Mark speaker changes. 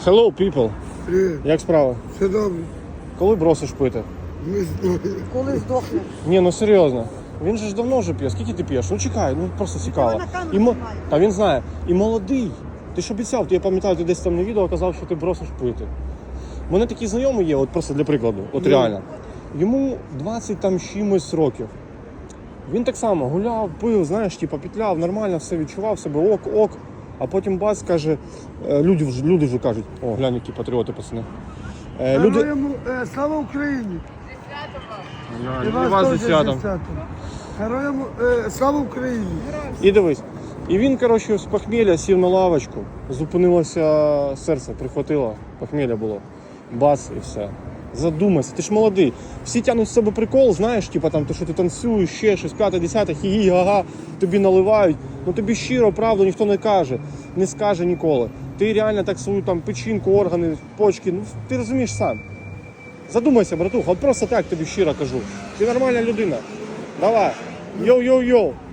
Speaker 1: Hello, people.
Speaker 2: Привіт.
Speaker 1: Як справа?
Speaker 2: Все добре.
Speaker 1: Коли бросиш пити?
Speaker 2: Не знаю.
Speaker 3: Коли здохне.
Speaker 1: Ні, ну серйозно. Він же ж давно вже п'є. Скільки ти п'єш? Ну чекай, ну просто цікаво.
Speaker 3: на камеру
Speaker 1: І мо-
Speaker 3: знімає.
Speaker 1: Та він знає. І молодий. Ти ж обіцяв, я пам'ятаю, ти десь там на відео казав, що ти бросиш пити. У мене такий знайомий є, от просто для прикладу, от реально. Йому 20 там чимось років. Він так само гуляв, пив, знаєш, типу, петляв, нормально все відчував себе, ок. А потім бац, каже, люди вже кажуть, о, глянь, які патріоти, пацани.
Speaker 2: Героям, слава Україні! І
Speaker 1: вас зі
Speaker 2: теж
Speaker 1: святом.
Speaker 2: зі святом. Героям слава Україні!
Speaker 1: І дивись. І він, коротше, з похмілля сів на лавочку, зупинилося серце, прихватило, похмілля було. Бас і все. Задумайся, ти ж молодий. Всі тянуть з себе прикол, знаєш, типу там, то, що ти танцюєш, ще щось, 5-10, хі-хі, га-га, тобі наливають. Ну тобі щиро, правду ніхто не каже, не скаже ніколи. Ти реально так свою там печінку, органи, почки, ну ти розумієш сам. Задумайся, братуха, от просто так тобі щиро кажу. Ти нормальна людина. Давай. Йоу-йоу-йоу.